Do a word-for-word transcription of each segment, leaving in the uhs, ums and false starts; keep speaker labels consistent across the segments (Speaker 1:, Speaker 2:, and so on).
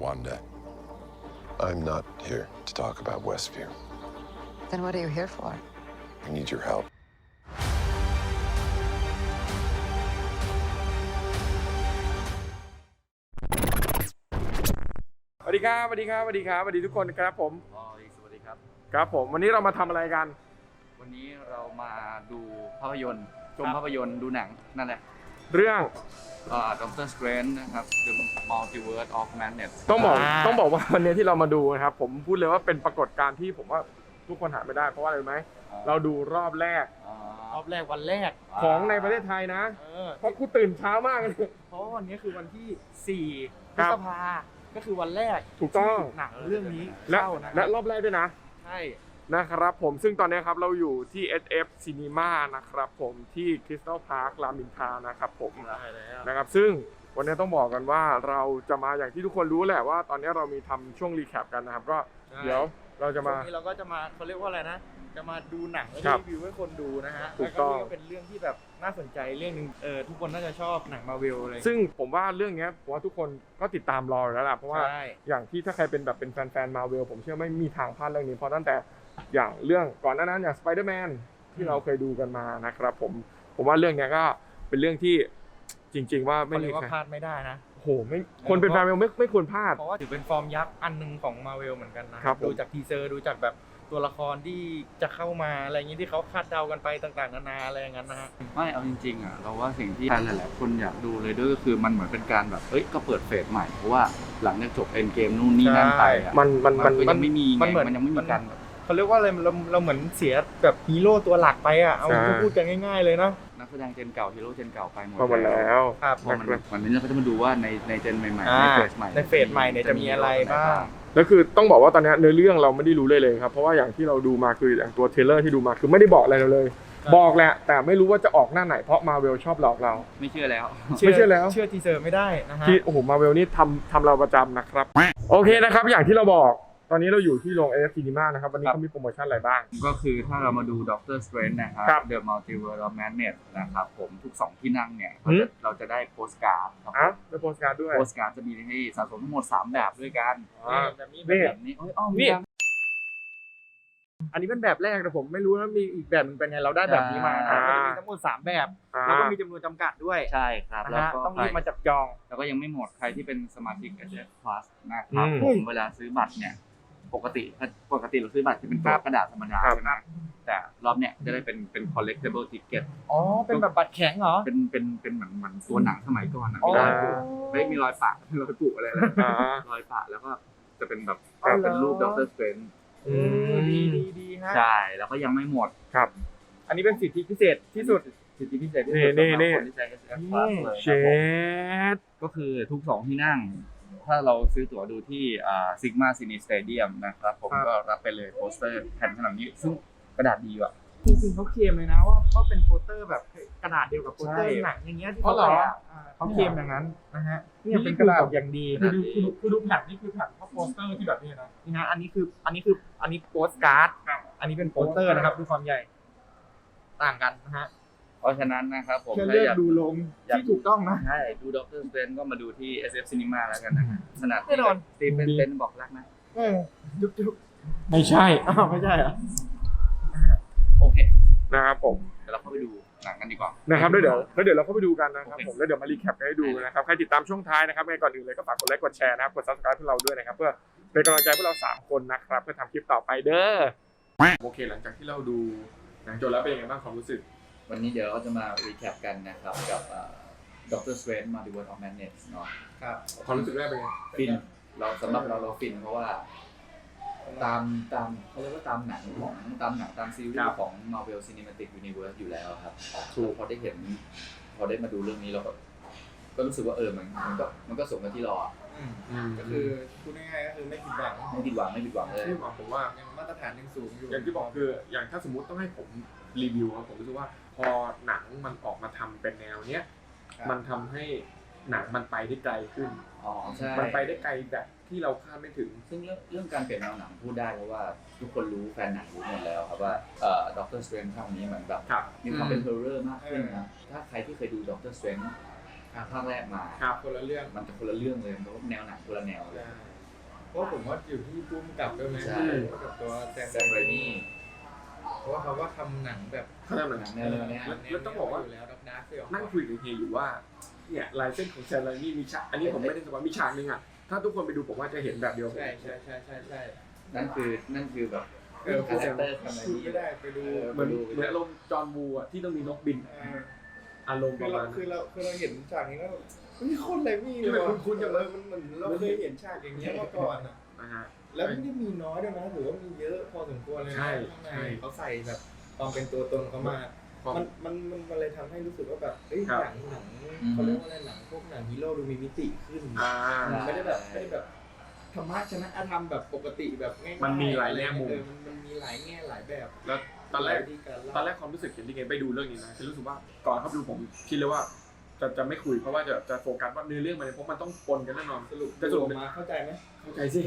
Speaker 1: Wanda. I'm not here to talk about Westview.
Speaker 2: Then what are you here for?
Speaker 1: I need your help.
Speaker 3: สวัสดีครับสวัสดีครับสวัสดีครับสวัสดีทุกคนครับผม
Speaker 4: อ๋อสวัสดีครับ
Speaker 3: ครับผมวันนี้เรามาทำอะไรกัน
Speaker 4: วันนี้เรามาดูภาพยนตร์ชมภาพยนตร์ดูหนังนั่นแหละ
Speaker 3: เรื่อง
Speaker 4: อ่าด็อกเตอร์สเตรนจ์นะครับ The Multiverse of Madness
Speaker 3: ต้องบอกต้องบอกว่าวันนี้ที่เรามาดูนะครับผมพูดเลยว่าเป็นปรากฏการณ์ที่ผมว่าทุกคนหาไม่ได้เพราะว่าอะไรรู้ไหมเราดูรอบแรก
Speaker 4: อ๋อ
Speaker 5: รอบแรกวันแรก
Speaker 3: ของในประเทศไทยนะ
Speaker 5: เออ
Speaker 3: เพราะกูตื่นเช้ามากเลย
Speaker 5: เพราะว่าวันนี้คือวันที่สี่พ
Speaker 3: ค
Speaker 5: ฤ
Speaker 3: รับ
Speaker 5: ษภาก็คือวันแรก
Speaker 3: ถูกต้อง
Speaker 5: ที่หนังเรื่องนี้
Speaker 3: และ
Speaker 5: เข้านะ
Speaker 3: และรอบแรกด้วยนะ
Speaker 5: ใช่
Speaker 3: นะครับผมซึ่งตอนนี้ครับเราอยู่ที่ เอส เอฟ Cinema นะครับผมที่ Crystal Park รามอินทรานะครับผม
Speaker 5: ได้แล้ว
Speaker 3: นะครับซึ่งวันนี้ต้องบอกกันว่าเราจะมาอย่างที่ทุกคนรู้แหละว่าตอนนี้เรามีทำช่วงรีแคปกันนะครับก็เดี๋ยวเราจะมา
Speaker 5: ช่วงนี้เราก็จะมาเขาเรียกว่าอะไรนะจะมาดูหนังแล้ว
Speaker 3: ครับ
Speaker 5: รีวิวให้คนดูนะฮะ
Speaker 3: ถูกต้อง
Speaker 5: แล้วก็นี่ก็เป็นเรื่องที่แบบน่าสนใจเรื่องหนึงเออทุกคนน่าจะชอบหนังมาเวลเลย
Speaker 3: ซึ่งผมว่าเรื่องเนี้ยผมว่าทุกคนก็ติดตามรออยู่แล้วล่ะเพราะว่า
Speaker 5: ใช่
Speaker 3: อย่างที่ถ้าใครเป็นแบบเป็นแฟนๆมาเวลผมเชื่อไม่มีทางพลาดเรื่องนี้เพราะตั้งแต่อย่างเรื่องก่อนหน้านั้นอย่างสไปเดอร์แมนที่เราเคยดูกันมานะครับผมผมว่าเรื่องเนี้ยก็เป็นเรื่องที่จริง ๆ ว่าไม่
Speaker 5: เขาเรี
Speaker 3: มี
Speaker 5: ยกว่า
Speaker 3: ใคร
Speaker 5: พลาดไม่ได้นะ
Speaker 3: โอ้โหไม่คนเป็นแฟนมาเวลไม่ไม่ควรพลาด
Speaker 5: เพราะว่าถือเป็นฟอร์มยักษ์อันหนึงของมาเวลเหมือนกันนะครับ
Speaker 3: ผม
Speaker 5: ดูจากทีเซอร์ดูจากแบบตัวละครที่จะเข้ามาอะไรอย่างนี้ที่เขาคาดเดากันไปต่างๆนานาอะไรอย่างนั้นนะฮะ
Speaker 4: ไม่เอาจริงๆอ่ะเราว่าสิ่งที่หลายๆคนอยากดูเลยด้วยก็คือมันเหมือนเป็นการแบบเฮ้ยก็เปิดเฟสใหม่เพราะว่าหลังจากจบเอ็นเกมนู่นนี่นั่นไปอ่ะ
Speaker 3: มันมันมัน
Speaker 4: ก็ยังไม่มีไง
Speaker 5: มันเหมือน
Speaker 4: มันยังไม่
Speaker 5: มั
Speaker 4: มี
Speaker 5: น
Speaker 4: การแบบ
Speaker 5: เขาเรียกว่าอะไรเราเราเหมือนเสียแบบฮีโร่ตัวหลักไปอ่ะเอา
Speaker 3: ใช่
Speaker 5: พูดกันง่าย ๆเลยเนาะ
Speaker 4: นักแสดงเจนเก่าฮีโร่เจนเก่าไปหมด
Speaker 3: พอหมดแล้ว
Speaker 5: ครับ
Speaker 4: พอมันวันนี้เราก็จะมาดูว่าในในเจนใหม่ๆ
Speaker 5: อ่า
Speaker 4: ในเฟสใหม่
Speaker 5: ในเฟสใหม่เนี่ยจะมีอะไรบ้าง
Speaker 3: แล้วคือต้องบอกว่าตอนนี้เนื้อเรื่องเราไม่ได้รู้เลยเลยครับเพราะว่าอย่างที่เราดูมาคืออย่างตัวเทรลเลอร์ที่ดูมาคือไม่ได้บอกอะไรเราเลย
Speaker 5: ครับ
Speaker 3: บอกแหละแต่ไม่รู้ว่าจะออกหน้าไหนเพราะมาเวลชอบหลอกเรา
Speaker 4: ไม่เชื่อแล้ว
Speaker 3: ไม่เชื่อแล้ว
Speaker 5: เชื่อทีเซอร์ไม่ได้นะฮะ
Speaker 3: ที่โอ้โหมาเวลนี่ทำทำเราประจำนะครับโอเคนะครับอย่างที่เราบอกตอนนี้เราอยู่ที่โรง เอ เอฟ Cinema นะครับวันนี้
Speaker 4: ครับ
Speaker 3: เขามีโปรโมชั่นอะไรบ้าง
Speaker 4: ก็คือถ้าเรามาดูด็อกเตอร์สเตรนจ์นะครับ
Speaker 3: ครับ
Speaker 4: The Multiverse of Madness นะครับผมทุกสองที่นั่งเนี่ยเรา
Speaker 3: หื
Speaker 4: จะ
Speaker 3: ม
Speaker 4: เราจะได้โปสการ์ดครับ
Speaker 3: อ่ะได้โปสการ์ดด้วย
Speaker 4: โปสการ์ดจะมีให้สะสมทั้งหมดสามแบบด้วยกัน
Speaker 3: อ่า
Speaker 5: แบบนี้
Speaker 3: นี่
Speaker 4: แบบนี้เอ้ยอ้อม
Speaker 3: นี่
Speaker 4: ยัง
Speaker 5: อันนี้เป็นแบบแรกแต่ผมไม่รู้นะมีอีกแบบหนึงเป็นไงเราได้แบบนี้มา
Speaker 4: อ่า
Speaker 5: ก็จะมีทั้งหมดสามแบบ
Speaker 3: อ่า
Speaker 5: แล้วก็มีจำนวนจำกัดด้วย
Speaker 4: ใช่ครับ
Speaker 5: นะ
Speaker 4: แล้ว
Speaker 5: ฮะ
Speaker 4: ก็
Speaker 5: ต้อง
Speaker 4: ใคร
Speaker 5: รีบมาจับจอง
Speaker 4: แล้วก็ยังไม่หมดใครที่เป็นสมาชิก เอส เอฟ Plus นะครับ
Speaker 3: อืม
Speaker 4: ผมเวลาซื้อบัตรเนี่ยปกติปกติเราซื้อบัตรจะเป็นตัวกระดาษธรรมดา
Speaker 3: ครับ
Speaker 4: ใช่ไหมแต่รอบเนี้ยจะได้เป็นเป็น collectible ticket
Speaker 5: อ๋อเป็นแบบบัตรแข็งเหรอ
Speaker 4: เป็นเป็นเป็นเหมือนเหมือนตัวหนังสมัยก่อนนะ
Speaker 5: อ๋อ
Speaker 4: มีรอยปุไม่มีรอยปะรอยปุอะไรเลย
Speaker 3: อ่าร
Speaker 4: อยปะแล้วก็จะเป็นแบบ
Speaker 5: อ๋อเหรอ
Speaker 4: เป็นรูปด็อกเตอร์สเตรนจ์
Speaker 3: อื
Speaker 5: เออดี
Speaker 3: ม
Speaker 5: ดีดีฮะ
Speaker 4: ใช่แล้วก็ยังไม่หมด
Speaker 3: ครับ
Speaker 5: อันนี้เป็นสิทธิพิเศษที่สุด
Speaker 4: สิทธิพิเศษที่สุด
Speaker 3: นี่
Speaker 4: สำหรับ
Speaker 3: นี่
Speaker 4: คนที่ใช้ เอส เอฟ Plus เลย
Speaker 3: เช
Speaker 4: ครับผม
Speaker 3: ด
Speaker 4: ก็คือทุกสองที่นั่ง ถ้าเราซื้อตั๋วดูที่อ่าซิกมาซินีสเตเดียมนะครับผม
Speaker 5: ครับ
Speaker 4: ก็รับไปเลยโปสเตอร์แผ่นขนาดนี้ซึ่งกระดาษดีว่ะ
Speaker 5: จริงๆเขาเคลมเลยนะว่าว่าเป็นโปสเตอร์แบบกระดาษเดียวกับโปสเตอร์
Speaker 3: ใช่
Speaker 5: หนังอย่างเงี้ยที่
Speaker 3: อ๋อ
Speaker 5: เขา
Speaker 3: เหรอ
Speaker 5: แปะอ่าเขาเคลมอย่างนั้นนะฮะเนี่ยเป็นกระดาษอย่างดี
Speaker 4: คือดู
Speaker 3: คือดูคือดูแผ่นนี่คือแผ่นเพราะโปสเตอร์ที่แบบนี้นะ
Speaker 5: นี่ฮะอันนี้คืออันนี้คืออันนี้โปสการ์ด
Speaker 3: ครับ
Speaker 5: อันนี้เป็นโปสเตอร์นะครับดูความใหญ่ ต่างกันนะฮะ
Speaker 4: เพราะฉะนั้นนะครับผม
Speaker 5: แค่
Speaker 4: ถ้า
Speaker 5: เลือก
Speaker 4: อยาก
Speaker 5: ดูลงที่ถูกต้องนะ
Speaker 4: ใช่ดูด็อกเตอร์สเตรนจ์ก็มาดูที่ เอส เอฟ Cinema แล้วกันนะฮะขนาด
Speaker 5: แน่นอน
Speaker 4: สตีเฟนเซนบอกรักนะ
Speaker 5: เออจุ๊บจุ๊บ
Speaker 3: ไม่ใช่
Speaker 5: อ้าวไม่ใช่เหรอ
Speaker 4: โอเค
Speaker 3: นะครับผม
Speaker 4: เดี๋ยวเราเข้าไปดูหนังกันดีกว่า
Speaker 3: นะครับแล้วเดี๋ยวแล้วเดี๋ยวเราเข้าไปดูกันนะครับ
Speaker 4: โอเค
Speaker 3: ผมแล้วเดี๋ยวมารีแคปกันให้ดูนะครับใครติดตามช่วงท้ายนะครับในก่อนอื่นเลยก็ฝากกดไลค์กดแชร์นะครับกด ซับสไครบ์ พวกเราด้วยนะครับเพื่อเป็นกำลังใจพวกเราสามคนนะครับเพื่อทำคลิปต่อไปเด้อโอเคหลังจากที่เราดูหนังจบแล้วเป็นยังไงบ้างความรู้สึก
Speaker 4: วันนี้เดี๋ยวเราจะมารีแคปกันนะครับกับด็อกเตอร์สเตรนจ์ Multiverse of Madness เนาะ
Speaker 5: ครับ
Speaker 3: ความรู้สึกแรกเป็นไง
Speaker 4: ฟินเราสำหรับเราเราฟินเพราะว่าตามตามเขาเรียกว่าตามหนังของตามหนังตามซีรีส์ของ Marvel Cinematic Universe อยู่แล้วครับคือพอได้เห็นพอได้มาดูเรื่องนี้เราก็ก็รู้สึกว่าเออมันมันก็มันก็สมกับที่รออะ
Speaker 5: ก็คือพูดง่ายๆก็คือไม่ผิดหวัง
Speaker 4: ไม่ผิดหวังไม่ผิดหวังเลย
Speaker 3: ที่บอกผมว่า
Speaker 5: ยังมาตรฐานยังสูงอยู่
Speaker 3: อย่างที่บอกคืออย่างถ้าสมมุติต้องให้ผมรีวิวครับผมรู้สึกว่าพอหนังมันออกมาทำเป็นแนวเนี้ยมันทำให้หนังมันไปได้ไกลขึ้น
Speaker 4: อ๋อใช่
Speaker 3: มันไปได้ไกลแบบที่เราคาดไม่ถึง
Speaker 4: ซึ่งเรื่องเรื่องการเปลี่ยนแนวหนังพูดได้เพราะว่าทุกคนรู้แฟนหนังรู้หมดแล้วครับว่าเอ่อด็อกเตอร์สเตรนจ์ภาคนี้เหมือนแบบ
Speaker 3: ครับ
Speaker 4: มีความเป็นเฮอร์เรอร์มากขึ้นนะถ้าใครที่เคยดูด็อกเตอร์สเตรนจ์ภาคแรกมา
Speaker 3: ครับ
Speaker 5: คนละเรื่อง
Speaker 4: มันจะคนละเรื่องเลยเพราะว่าแนวหนังคนละแนวเลย
Speaker 5: เพราะผมว่าอยู่ที่พุ่มกับด้วยไหม
Speaker 4: ใช่
Speaker 5: กับตัวแซม
Speaker 4: แซมไรมี่
Speaker 5: เพราะว่าเขาก็ทำหนังแบบ
Speaker 3: เขาทำหนัง
Speaker 4: หนังแนวเนี้ย
Speaker 3: แล้วแล้วต้องบอกว่า
Speaker 5: อยู่แล้วดักๆเฟีล
Speaker 3: นั่งคุยกับเฮียอยู่ว่าเนี่ยลายเส้นของแซนไลนี่มีฉากอันนี้ผมไม่ได้สปอยมีฉากนึงอ่ะถ้าทุกคนไปดูผมว่าจะเห็นแบบเดียว
Speaker 5: ใช่ใช่ใช่ใช่ใช่
Speaker 4: นั่นคือนั่นคือแบบ
Speaker 5: เออ
Speaker 4: คาแรคเตอร์ทำไม
Speaker 5: พูด
Speaker 4: นี่
Speaker 5: ไม่ได้ไปดู
Speaker 3: เหมือนเหมือนอารมณ์จอห์นวูอ่ะที่ต้องมีนกบิน
Speaker 5: เออ
Speaker 3: อารมณ์ป
Speaker 5: คือ
Speaker 3: ระ
Speaker 5: เรา
Speaker 3: มาณ
Speaker 5: คือ
Speaker 3: นั้น
Speaker 5: เราคือเราเห็นฉากนี้แล้วมีคนอะไรมีเลย
Speaker 3: มัน
Speaker 5: ว่ะ
Speaker 3: คุ้นๆจังเลย
Speaker 5: มันเหมือนเราเคยเห็นฉากอย่างเงี้ยมาก่อนอ่ะ
Speaker 3: นะฮะ
Speaker 5: แล้วไม่ได้มีน้อยด้วยนะถือว่ามีเยอะพอสมควรเลยนะ
Speaker 3: ใช่
Speaker 5: ข้างใน
Speaker 3: ใช่
Speaker 5: เขาใส่แบบความเป็นตัวตนเขามา
Speaker 3: ความ
Speaker 5: มันมันมันมันเลยทำให้รู้สึกว่าแบบเอ้ย
Speaker 3: ครับ
Speaker 5: หนังหนังเขาเรียกว่าอะไรหนังพวกหนังฮีโร่ดูมีมิติขึ้น
Speaker 3: อ่า
Speaker 5: ไม่ได้แบบไม่ได้แบบธรรมะชนะอธรรมแบบปกติแบบง่ายๆ
Speaker 3: มันมีหลายแง่มุม
Speaker 5: เออมันมันมีหลายแง่หลายแบบ
Speaker 3: แล้วตอนแรก
Speaker 5: วิธีารเล่า
Speaker 3: ตอนแรกความรู้สึกเห็นที่ไงไปดูเรื่องนี้นะคือรู้สึกว่าก่อนเข้าไปดูผมคิดเลยว่า จะจะไม่คุยเพราะว่าจะจะโฟกัสว่าเนื้อเรื่องมันเพราะมันต้องปนกันแน่นอน
Speaker 5: สรุป
Speaker 3: จะสรุป
Speaker 5: มาเข้าใจไหม
Speaker 3: เข้าใจสิ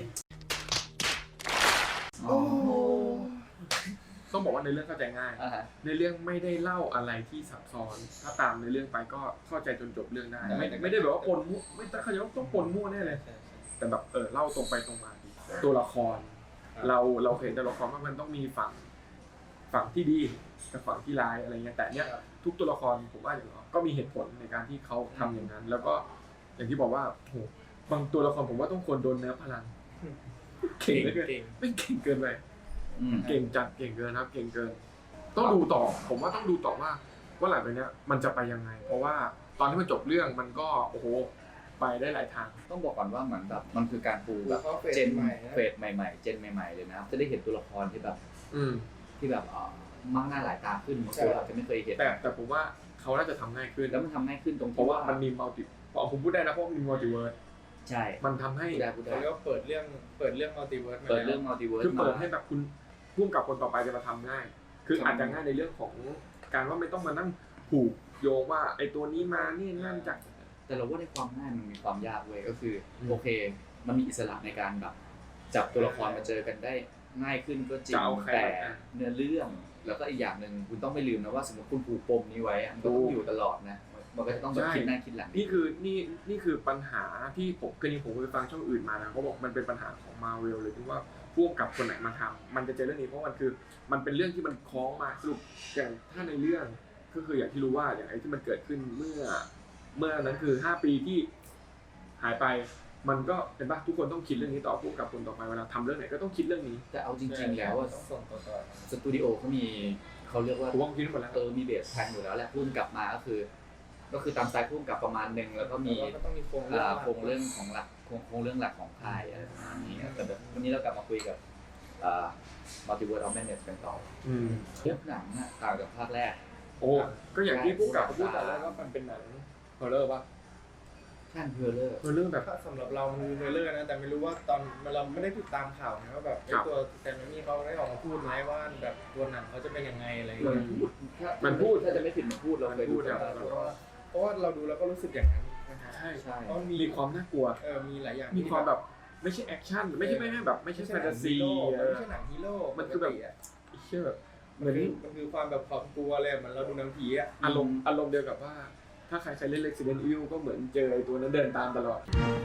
Speaker 4: โอ้โห
Speaker 3: ต้องบอกว่าในเรื่องเข้าใจง่าย
Speaker 4: อ่าฮะ
Speaker 3: ในเรื่องไม่ได้เล่าอะไรที่ซับซ้อน ถ้าตามในเรื่องไปก็เข้าใจจนจบเรื่องได้ ไม่ไม่ได้แบบว่าปนมั่วไม่ต้องเข้าใจว่าต้องปนมั่วแน่เลย
Speaker 5: ใช่ใช่
Speaker 3: แต่แบบเออเล่าตรงไปตรงมาดีตัวละคร เราเราเห็นตัวละครว่ามันต้องมีฝั่งฝั่งที่ดีกับฝั่งที่ร้ายอะไรเงี้ยแต่เนี้ยทุกตัวละครผมว่าอย่างน้อยก็มีเหตุผลในการที่เขาทำอย่างนั้น แล้วก็อย่างที่บอกว่าโหบางตัวละครผมว่าต้องควรโดนเนื้อพลังเก่งเหลือเกิน
Speaker 5: เก่ง
Speaker 3: ไม่เก่งเกินไป
Speaker 4: อืม
Speaker 3: เก่งจัดเก่งเกินครับ เก่งเกิน ต้องดูต่อ ผมว่าต้องดูต่อว่าว่าหลังจากเนี้ยมันจะไปยังไง เพราะว่าตอนที่มันจบเรื่องมันก็โอ้โหไปได้หลายทาง
Speaker 4: ต้องบอกก่อนว่าเหมือนแบบมันคือการปูแบบ
Speaker 5: เขาเฟส
Speaker 4: เจน
Speaker 5: ใหม่นะ
Speaker 4: เฟสใหม่ๆ เจนใหม่ๆเลยนะครับจะได้เห็นตัวละครที่แบบ
Speaker 3: อืม
Speaker 4: ที่แบบเอ่อมากหน้าหลายตาขึ้น
Speaker 5: ใช่
Speaker 4: ตัวเราจะไม่เคยเห็น
Speaker 3: แต่แต่ผมว่าเขาน่าจะทำง่ายขึ้น
Speaker 4: แล้วมันทำง่ายขึ้นตรง
Speaker 3: เพ
Speaker 4: ที่
Speaker 3: ราะว่ามันมีมัลติพอผมพูดได้นะเพราะว่ามันมีมัลติเวิร์ส
Speaker 4: ใช่
Speaker 3: มันทำให้
Speaker 4: พูดได้พูดได้
Speaker 5: เขาเรียกว่าเปิดเรื่องเปิดเรื่องมัลติเวิร์สมา
Speaker 4: เปิด
Speaker 5: แล้ว
Speaker 4: เรื่องมัลติเวิร์ส
Speaker 3: คือ
Speaker 4: มา
Speaker 3: เปิดให้แบบคุณพุ่มกับคนต่อไปจะมาทำง่าย คือ
Speaker 4: ครับ
Speaker 3: อาจจะง่ายในเรื่องของการว่าไม่ต้องมานั่งผูกโยงว่าไอ้ตัวนี้มานี่นั่นจาก
Speaker 4: แต่เราว่าในความง่ายมันมีความยากเว้ยก็คืออ
Speaker 3: ม
Speaker 4: โอเค มันมีอิสระในการแบบจับตัวละครมาเจอกันได้ง่ายขึ้นก็จริง
Speaker 3: จะเอาใคร
Speaker 4: แต่
Speaker 3: อ่ะ
Speaker 4: เนื้อเรื่องแล้วก็อีกอย่างหนึ่งคุณต้องไม่ลืมนะว่าสมมติคุณผูกปมนี้ไว้อะมันก็ต้องอยู่ตลอดนะมันก็จะต้องแบบ
Speaker 3: ใช่
Speaker 4: คิดหน้าคิดหลัง
Speaker 3: นี่คือนี่นี่คือปัญหาที่ผมเคยผมเคยฟังช่องอื่นมานะเขาบอกมันเป็นปัญหาของมาเวลเลยที่ว่าพ่วงกับคนไหนมาทำมันจะเจอเรื่องนี้เพราะมันคือมันเป็นเรื่องที่มันคล้องมาสรุปอย่างถ้าในเรื่องก็คืออย่างที่รู้ว่าอย่างไอ้ที่มันเกิดขึ้นเมื่อ เมื่อนั้นคือห้าปีที่หายไป มันก็เป็นป่ะทุกคนต้องคิดเรื่องนี้ต่อพ่วงกับคนต่อไปเวลาทำเรื่องไหนก็ต้องคิดเรื่องนี้
Speaker 4: แต่เอาจริง ๆ แล้วอะ
Speaker 5: ต้องส่งต่อต่อ
Speaker 4: สตูดิโอเขามีเขาเรียกว่า
Speaker 3: ผมว่าคิดหมดแล้ว
Speaker 4: เออมีเบสแพลนอยู่แล้วแหละพุ่มกลับมาก็คือ ก็คือตามสไตล์พุ่มกลับประมาณหนึ่งแล้วก็มี
Speaker 5: แล้วก็ต้องมีโครงเรื่
Speaker 4: อ่า
Speaker 5: อง
Speaker 4: โครงเรื่องของหลักโครงโครงเรื่องหลักของค่ายอะไรประมาณนี้แต่แบบวันนี้เรากลับมาคุยกับอ่า Multiverse of Madness กันต่อ
Speaker 3: อืม
Speaker 4: ทุกหนังอะต่างจากภาคแรก
Speaker 3: โอ้ก็อย่างที่ผู้กำกับเขาพูดแต่แรกว่ามันเป็นหนังฮอร์เรอร์ป่ะ
Speaker 4: แท่นเพลเลอร์
Speaker 3: ฮอร์เรอร์แบบ
Speaker 5: ถ้าสำหรับเรามันมีเทรลเลอร์นะแต่ไม่รู้ว่าตอนเราไม่ได้ติดตามข่าวนะว่าแบบไอ้
Speaker 3: ครับ
Speaker 5: ตัวแซมมี่เขาได้ออกมาพูดไหมว่าแบบตัวหนังเขาจะเป็นยังไงอะไรอย่าง
Speaker 3: มั
Speaker 5: เงี้
Speaker 3: น
Speaker 5: ย
Speaker 3: มันพูด
Speaker 4: ถ้าจะไม่ผิดมันพูดเราเคยดู
Speaker 3: มันพูด
Speaker 4: กัน
Speaker 3: ครับ
Speaker 4: มา
Speaker 5: เพราะว่าเพราะว่าเราดูแล้วก็รู้สึกอย่างนั้นนะฮะ
Speaker 3: ใช่
Speaker 4: ใช่
Speaker 5: เพราะมัน
Speaker 3: มี
Speaker 5: มี
Speaker 3: ความน่ากลัว
Speaker 5: เออมีหลายอย่าง
Speaker 3: มีความแบบไม่ใช่แอคชั่นไม่ใช่ไม่ใช่แบบไม่ใช่แฟนตาซี
Speaker 5: ไม่ใช่หนังฮีโร่
Speaker 3: มันคือแบบ
Speaker 5: ปกติะ
Speaker 3: เชื่อแบบเห
Speaker 5: มั
Speaker 3: มือน น
Speaker 5: คือมันคือความแบบความกลัวเลยเหมือนเราดูหนังผีอ่ะ
Speaker 3: อารมณ์อารมณ์เดียวกับว่า ถ้าใครเคยเล่น Resident Evil ก็เหมือนเจอไอ้ตัวนั้นเดินตามตลอด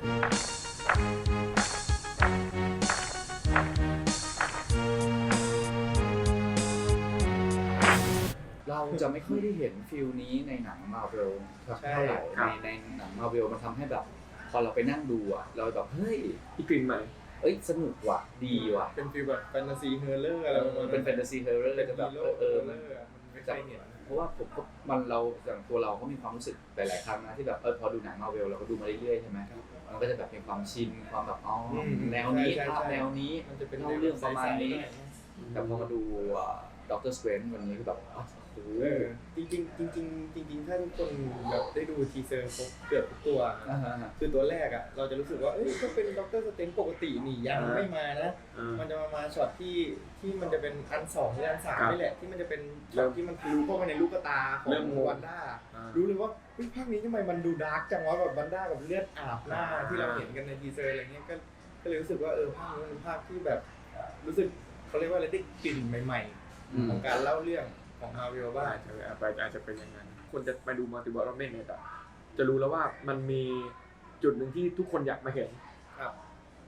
Speaker 4: เราจะไม่ค่อยได้เห็นฟิลนี้ในหนังมาเวลเท่าไหร่
Speaker 3: ครั
Speaker 4: ใน
Speaker 3: บ
Speaker 4: ในหนังมาเวลมันทำให้แบบ พอเราไปนั่งดูอะเราแบบเฮ้ย
Speaker 3: อีกกลิ่นใหม่
Speaker 4: เอ้ยสนุกว่ะดีว่ะ
Speaker 5: เป็นฟีลแบบแฟนตาซีเฮอร์เรอร์อะไรประมาณ
Speaker 4: เป็นแฟนตาซีเฮอร์เรอร์
Speaker 5: เป็น
Speaker 4: จะแบบ
Speaker 5: ฮีโร่
Speaker 4: เออ
Speaker 5: เฮ
Speaker 4: เอ
Speaker 5: อ
Speaker 4: อ
Speaker 5: ร์
Speaker 4: มัน
Speaker 5: เรอร์มันไม่เคยเห็น
Speaker 4: เพราะว่าผมก็มันเราอย่างตัวเราก็มีความรู้สึกหลายๆครั้งนะที่แบบเออพอดูหนังมาเวลเราก็ดูมาเรื่อยๆใช่ไหมมันก็จะแบบมีความชินความแบบอ๋ออ
Speaker 5: ม
Speaker 4: แนวนี้
Speaker 5: ใช่ใช่
Speaker 4: ภาพ
Speaker 5: ใช่
Speaker 4: แนวนี้
Speaker 5: มันจะเป็น
Speaker 4: เล่าเรื่องประมาณนี้
Speaker 5: ใสๆ
Speaker 4: แต่พอมาดูด็อกเตอร์สเตรนจ์วันนี้คือแบบอ๋อโอ้โห
Speaker 5: เออจริงๆจริงๆจริงๆถ้าทุกคนแบบได้ดูทีเซอร์ครบเกือบทุกตัว
Speaker 4: อ่าฮะ
Speaker 5: คือตัวแรกอ่ะเราจะรู้สึกว่าเอ้ยก็เป็นด็อกเตอร์สเตนปกตินี่ยัง
Speaker 3: อ่า
Speaker 5: ไม่มานะ
Speaker 3: อ่า
Speaker 5: มันจะมามาช็อตที่ที่มันจะเป็นอันสองหรืออันสาม
Speaker 3: ครับ
Speaker 5: นี่แหละที่มันจะเป็น
Speaker 3: เริ่
Speaker 5: ช็อต
Speaker 3: ม
Speaker 5: ที่มันทะลุเข้าไปในลูกตาของ
Speaker 3: เริ่มงง
Speaker 5: วันด้า
Speaker 3: อ่า
Speaker 5: รู้เลยว่าเฮ้ยภาคนี้ทำไมมันดูดาร์กจังวะแบบวันด้ากับเลือดอาบหน้า
Speaker 3: อ่า
Speaker 5: ที่เราเห็นกันในทีเซอร์อะไรเงี้ยก็ก็เลยรู้สึกว่าเออภาคนี้มันเป็นภาคที่แบบรู้สึกเขาเรียกว่าอะไรได้กลิ่นใหม่
Speaker 4: อืม
Speaker 5: ๆ ของการเล่าเรื่องของมาวิลบ้าง
Speaker 3: อาจจะอาจจะอาจจะเป็นอย่างนั้นคนจะไปดูมัลติเวิร์สออฟแมดเนสจะรู้แล้วว่ามันมีจุดหนึ่งที่ทุกคนอยากมาเห็น
Speaker 5: ครับ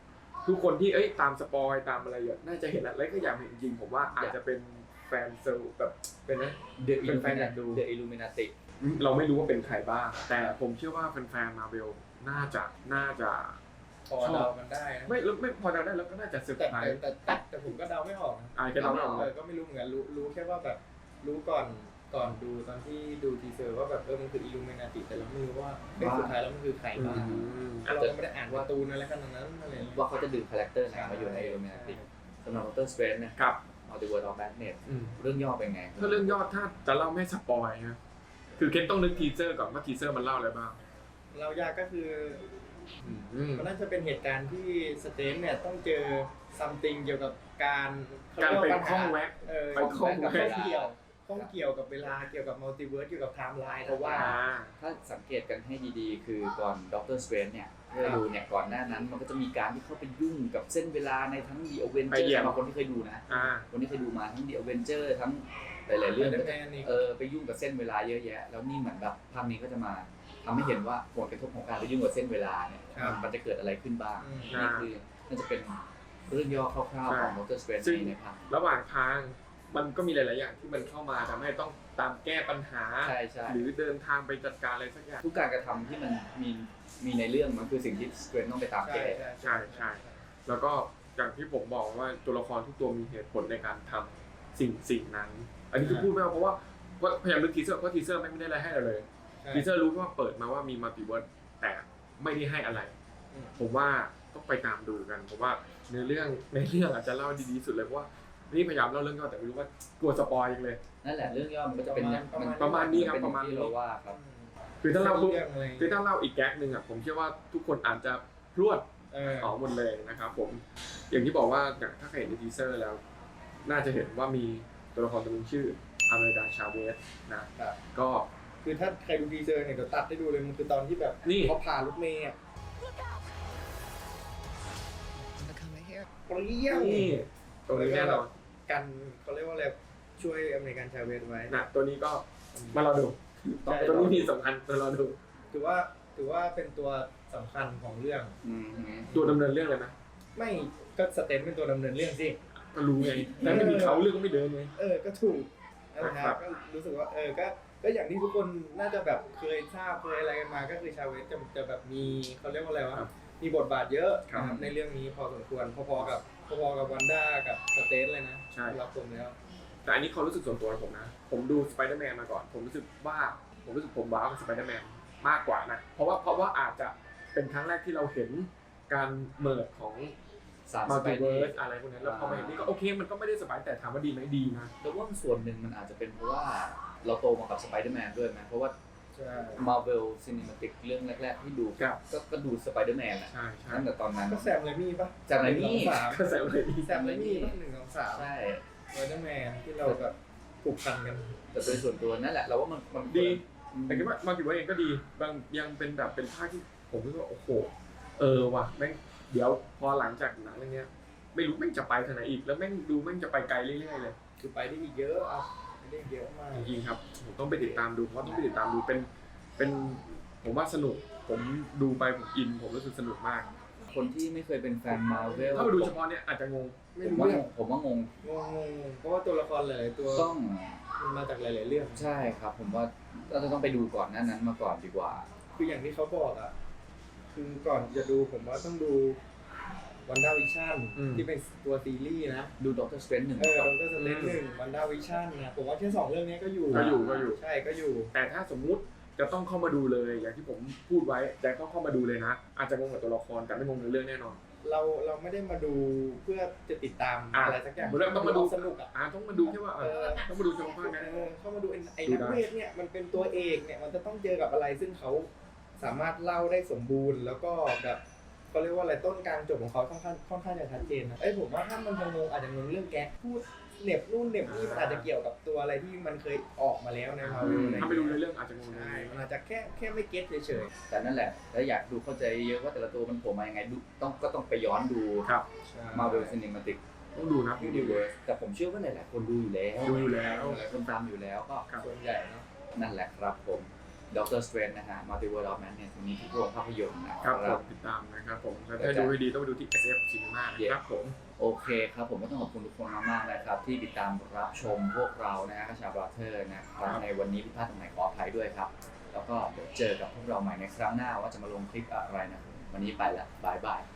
Speaker 3: ทุกคนที่เอ้ยตามสปอยตามอะไรอยู่น่าจะเห็นแล้วแล้วก็อยากเห็นจริงผมว่าอาจจะเป็นแฟนเซลแบบเป็นนะ
Speaker 4: เดอะอิ
Speaker 3: เป็
Speaker 4: ลู
Speaker 3: นแฟ
Speaker 4: มิ
Speaker 3: น
Speaker 4: นา
Speaker 3: อยากดู
Speaker 4: เดอะอิลูมินาติ
Speaker 3: เราไม่รู้ว่าเป็นใครบ้างแต่ผมเชื่อว่าแฟนๆมาเวลน่าจะน่าจะ
Speaker 5: พอเดากันได้นะ
Speaker 3: ไม่แล้วไม่พอเดาได้แล้วก็น่าจะเซอร์
Speaker 5: แต่
Speaker 3: ไพร
Speaker 5: แต่
Speaker 3: ส์
Speaker 5: แต่แต่แต่ผมก็เดาไม่ออกนะ
Speaker 3: อ่าแค่เราไม่ออก
Speaker 5: เออก็ไม่รู้เหมือนกันรู้รู้แค่ว่าแบบรู้ก่อนก่อนดูตอนที่ดูทีเซอร์ว่าแบบเออมันคืออิลูมินาติแต่เราไม่รู้ว่าเฮ้ยสุดท้ายแล้วมันคือใครบ้าง เราก็ไม่ได้อ่านการ์ตูนอะไรขนาดนั้นอะไรอย่างเงี้ย
Speaker 4: ว่าเขาจะดึงคาแรคเตอร์ไหนมาอยู่ในอิลูมินาติสำหรับ Doctor Strange เนี่ย
Speaker 3: ครับ
Speaker 4: มัลติเวิร์สออฟแมดเนส
Speaker 3: อืม
Speaker 4: เรื่องย่อเป็นไง
Speaker 3: ถ้าเรื่องยอดถ้าจะเล่าไม่สปอยนะคือเคนต้องนึกทีเซอร์ก่อนว่าทีเซอร์มันเล่าอะไรบ้าง
Speaker 5: เรายากก็คือ
Speaker 3: อืม
Speaker 5: มันน่าจะเป็นเหตุการณ์ที่สเตนเนี่ยต้องเจอซัมติงเกี่ยวกับการข
Speaker 3: การ
Speaker 5: ยว่
Speaker 3: เป็น
Speaker 5: ปัญห
Speaker 3: ข้องแวะ
Speaker 5: เออ
Speaker 3: เป็นข้องแวะ
Speaker 5: ข้องเกี่ยวข้องเกี่ยวกับเวลาเกี่ยวกับมัลติเวิร์สเกี่ยวกับไทม์ไลน์เพราะว่า
Speaker 3: อ่า
Speaker 4: ถ้าสังเกตกันให้ดีๆ คือก่อน Doctor Strange เนี่ยที่เราดูเนี่ยก่อนหน้านั้นมันก็จะมีการที่เข้าไปยุ่งกับเส้นเวลาในทั้ง The
Speaker 3: ไป
Speaker 4: Avenger
Speaker 3: เหยียบ
Speaker 4: สำหรับคนที่เคยดูนะ
Speaker 3: อ่า
Speaker 4: คนที่เคยดูมาทั้ง The Avenger ทั้งหลายๆเรื่อง
Speaker 5: เรื่
Speaker 4: ก็
Speaker 5: อง
Speaker 4: จะ
Speaker 5: แม่นี่
Speaker 4: เออไปยุ่งกับเส้นเวลาเยอะแยะ แล้วนี่เหมือนแบบภาพนี้ก็จะมาทำให้เห็นว่าผลกระทบของการไปยุ่งกับเส้นเวลาเนี่ยมันมันจะเกิดอะไรขึ้นบ้าง
Speaker 5: อืม
Speaker 4: นี่คือน่าจะเป็นเรื่องย่อคร่าวๆของ Doctor Strange
Speaker 3: ซึ่ง
Speaker 4: ในภาพ
Speaker 3: ระหว่างทางมันก็มีหลาย ๆ อย่างที่มันเข้ามาทำให้ต้องตามแก้ปัญหา
Speaker 4: ใช่ใช่
Speaker 3: หรือเดินทางไปจัดการอะไรสักอย่าง
Speaker 4: ทุกการกระทำที่มันมีมีในเรื่องมันคือสิ่งที่ Strange ต้องไปตาม
Speaker 5: ใช่
Speaker 4: แก้
Speaker 5: ใช่
Speaker 3: ใช่ใช่ แล้วก็อย่างที่ผมบอกว่าตัวละครทุกตัวมีเหตุผลในการทำสิ่งสิ่งนั้น อันนี้คือพูดไม่เอาเพราะว่าเพราะพยายามนึกทีเซอร์เพราะทีเซอร์ไม่ได้อะไรให้เราเลย
Speaker 5: ใช่
Speaker 3: ทีเซอร์รู้ว่าเปิดมาว่ามีมัลติเวิร์สแต่ไม่ได้ให้อะไร
Speaker 5: อืม
Speaker 3: ผมว่าต้องไปตามดูกันผมว่าในเรื่องในเรื่องอาจจะเล่าดีๆสุดเลยเพราะว่านี่พยายามเล่าเรื่องย่อแต่ไม่รู้ว่ากลัวสปอยยังเลย
Speaker 4: นั่นแหละเรื่องย่อมันก็จะเป็นอย่าง
Speaker 5: ประมาณ
Speaker 3: ประมาณนี้ครับ
Speaker 4: เป็
Speaker 3: ประมาณนี้
Speaker 4: ที่เราว่าครับ
Speaker 3: คือถ้าเล่าปุ๊บ
Speaker 5: เรื่องอะไร
Speaker 3: คือถ้าเล่าอีกแก๊กหนึ่งอ่ะผมเชื่อว่าทุกคนอาจจะพรวด
Speaker 5: เออ
Speaker 3: ออกหมดเลยนะครับผมอย่างที่บอกว่าถ้าใครเห็นในทีเซอร์แล้ว น่าจะเห็นว่ามีตัวละครตัวหนึงชื่ออเมริกาชาเวสนะครับ ก็
Speaker 5: คือถ้าใครดูทีเซอร์เนี่ยเดี๋ยวตัดให้ดูเลยมันคือตอนที่แบบ
Speaker 3: นี่
Speaker 5: เขาผ่ารถเมย์อะ
Speaker 2: They're coming here.
Speaker 5: เปรี้ยว
Speaker 3: นี่ตรงนี้แน่นอน
Speaker 5: กันเขาเรียกว่าอะไรช่วยอเมริกันชาเวสไว้
Speaker 3: นะตัวนี้ก็มารอดู
Speaker 5: ใช่
Speaker 3: ตัวนี้มีสำคัญมารอดู
Speaker 5: ถือว่าถือว่าเป็นตัวสำคัญของเรื่อง
Speaker 4: อืม
Speaker 3: ตัวดำเนินเรื่องเลยนะ
Speaker 5: ไม่ก็สเตนเป็นตัวดำเนินเรื่องสิ
Speaker 3: ก็รู้ไงแต่ไม่มีเขาเรื่องก็ไม่เดินไง
Speaker 5: เออก็ถูกนะ
Speaker 3: ค
Speaker 5: ค
Speaker 3: รั
Speaker 5: รับ บก็รู้สึกว่าเออก็ก็อย่างที่ทุกคนน่าจะแบบเคยทราบเคยอะไรกันมาก็คือชาเวสจะจะแบบมีเขาเรียกว่าอะไรวะ
Speaker 3: ครับ
Speaker 5: มีบทบาทเยอะ
Speaker 3: ครับ
Speaker 5: นะครับในเรื่องนี้พอสมควรพอๆกับพอๆกับวันด้ากับสเตนเลยนะ
Speaker 3: ใช่
Speaker 5: รับผมแล้ว
Speaker 3: แต่อันนี้ความรู้สึกส่วนตัวของผมนะ ผมดูสไปเดอร์แมนมาก่อน ผมรู้สึกว่า ผมรู้สึกผมว้าวกับสไปเดอร์แมนมากกว่านะ เพราะว่าเพราะว่าอาจจะเป็นครั้งแรกที่เราเห็นการเมิร์ดของ
Speaker 4: สาม
Speaker 3: มั
Speaker 4: ส
Speaker 3: ล
Speaker 4: ไป
Speaker 3: ติ
Speaker 4: เด
Speaker 3: เวิ
Speaker 4: อ
Speaker 3: ร์ส
Speaker 4: ร์
Speaker 3: อะไรพวกนั้นแล้วพอมาเห็นนี่ก็โอเคมันก็ไม่ได้สบายแต่ถามว่าดีไหมดีนะ
Speaker 4: แล้วว่าส่วนหนึ่งมันอาจจะเป็นเพราะว่าเราโตมากับสไปเดอร์แมนด้วยไหมเพราะว่า
Speaker 5: ใช่
Speaker 4: Marvel Cinematic เรื่องแรกๆที่ดู
Speaker 3: ครับ
Speaker 4: ก็ก็ดูสไปเดอร์แมนแหละ
Speaker 3: ใช่ใช่
Speaker 4: ตั้งแต่ตอนนั้น
Speaker 5: ก็แซมไรมี่ปะ
Speaker 4: แซมไรมี่
Speaker 5: หนึ่งสองสาม
Speaker 3: ก็ใส่เลยดี
Speaker 5: แซมไรมี่ปะหนึ่งสองสาม
Speaker 4: ใช่
Speaker 5: สไปเดอร์แมนที่เราแบบผูกพันกัน
Speaker 4: แต่โดยส่วนตัวนั่นแหละเราว่ามันมัน
Speaker 3: ดี
Speaker 4: อืม
Speaker 3: แต่คิดว่ามัลติเวิร์สเองก็ดี บางยังเป็นแบบเป็นภาคที่ผมรู้สึกว่าโอ้โห เออว่ะแม่งเดี๋ยวพอหลังจากหนังเรื่องเนี้ย ไม่รู้แม่งจะไปทางไหนอีก แล้วแม่งดูแม่งจะไปไกลเรื่อยๆเลย
Speaker 5: คือไปได้อีกเยอะอ่ะไปได้อีกเยอะมาก
Speaker 3: จริงๆครับผมต้องไปติดตามดูเพราะต้องไปติดตามดูเป็นเป็นผมว่าสนุกผมดูไปผมอินผมรู้สึกสนุกมาก
Speaker 4: คนที่ไม่เคยเป็นแฟน Marvel
Speaker 3: ถ้ามาดูเฉพาะเนี่ยอาจจะงง
Speaker 5: ไม่
Speaker 4: ผม
Speaker 5: รู้
Speaker 4: ว่า
Speaker 5: เรื่อง
Speaker 4: ผมว่างง
Speaker 5: งงงงเพราะว่าตัวละครหลายๆตัว
Speaker 4: ต้อง
Speaker 5: มันมาจากหลายๆเรื่อง
Speaker 4: ใช่ครับ ผมว่าเราจะต้องไปดูก่อนหน้านั้นมาก่อนดีกว่า
Speaker 5: คืออย่างที่เขาบอกอ่ะ คือก่อนจะดูผมว่าต้องดูวันด้าวิชั่น
Speaker 3: อืม
Speaker 5: ที่เป็นตัวซีรีส์นะ
Speaker 4: ดู Doctor Strange หนึ่ง
Speaker 5: เออ
Speaker 4: ก่อน
Speaker 5: ดรสเตนหนึ่งวันด้าวิชั่นนะผมว่าแค่สองเรื่องนี้ก็อยู่
Speaker 3: ก็อยู่ก็อยู่
Speaker 5: ใช่ก็อยู่
Speaker 3: แต่ถ้าสมมุติจะต้องเข้ามาดูเลย อย่างที่ผมพูดไว้แต่ก็เข้ามาดูเลยนะ อาจจะงงกับตัวละครแต่ไม่งงในเรื่องแน่นอน
Speaker 5: เราเราไม่ได้มาดูเพื่อจะติดตาม
Speaker 3: อ่ะ
Speaker 5: อะไรสักอย่าง
Speaker 3: เรื่องต้องมาดู
Speaker 5: สนุกอ่ะ
Speaker 3: อ่าต้องมาดูแค่ว่าเออต้องมาดูเฉพาะภาคนั้น
Speaker 5: เออเข้ามาดูไอ้ไอ้
Speaker 3: ดู
Speaker 5: นัก
Speaker 3: ได้
Speaker 5: เวทเนี่ยมันเป็นตัวเอกเนี่ยมันจะต้องเจอกับอะไรซึ่งเขาสามารถเล่าได้สมบูรณ์ แล้วก็แบบเขาเรียกว่าอะไรต้นกลางจบของเขาค่อนข้างค่อนข้างจะชัดเจนนะเอ้ยผมว่าถ้ามันจะงงอาจจะงงเรื่องแก๊กพูดเหน็บนู่นเหน็บนี่มันอาจจะเกี่ยวกับตัวอะไรที่มันเคยออกมาแล้วในมา
Speaker 3: อื
Speaker 5: วิ
Speaker 3: ม
Speaker 5: อะไร
Speaker 3: ถ้าไปดูในเรื่องอาจจะงง
Speaker 5: ใช่
Speaker 3: ได้
Speaker 5: มันอาจจะแค่แค่ไม่เก็ตเฉย
Speaker 4: แต่นั่นแหละแล้วอยากดูเข้าใจเยอะว่าแต่ละตัวมันโผล่มายังไงดูต้องก็ต้องไปย้อนดู
Speaker 3: ครับ
Speaker 5: ๆ
Speaker 4: Marvel Cinematic
Speaker 3: ต้องดูนะต้องดู
Speaker 4: Universe แต่ผมเชื่อว่าหลายๆคนดูอยู่แล้ว
Speaker 3: ดูอยู่แล้ว
Speaker 4: หลายคนตามอยู่แล้วก็
Speaker 3: ครับ
Speaker 5: ส่วนใหญ่เนาะ
Speaker 4: นั่นแหละครับผมด็อกเตอร์สเตรนนะฮะ Multiverse of Madness วันนี้ทุกโรงภาพยนตร์นะค
Speaker 3: ครั
Speaker 4: รั
Speaker 3: บบ ผมติดตามนะครับผมถ้าดูให้ดีต้องไปดูที่ เอส เอฟ Cinema นะครับผม
Speaker 4: โอเคครับผมก็ต้องขอบคุณทุกคนมากๆนะครับที่ติดตามรับชมพวกเรานะฮะกระชาบราเธอร์นะครับในวันนี้ผิดพลาดตรงไหนขออภัยด้วยครับแล้วก็เดี๋ยวเจอกับพวกเราใหม่ในครั้งหน้าว่าจะมาลงคลิปอะไรนะวันนี้ไปละบายบาย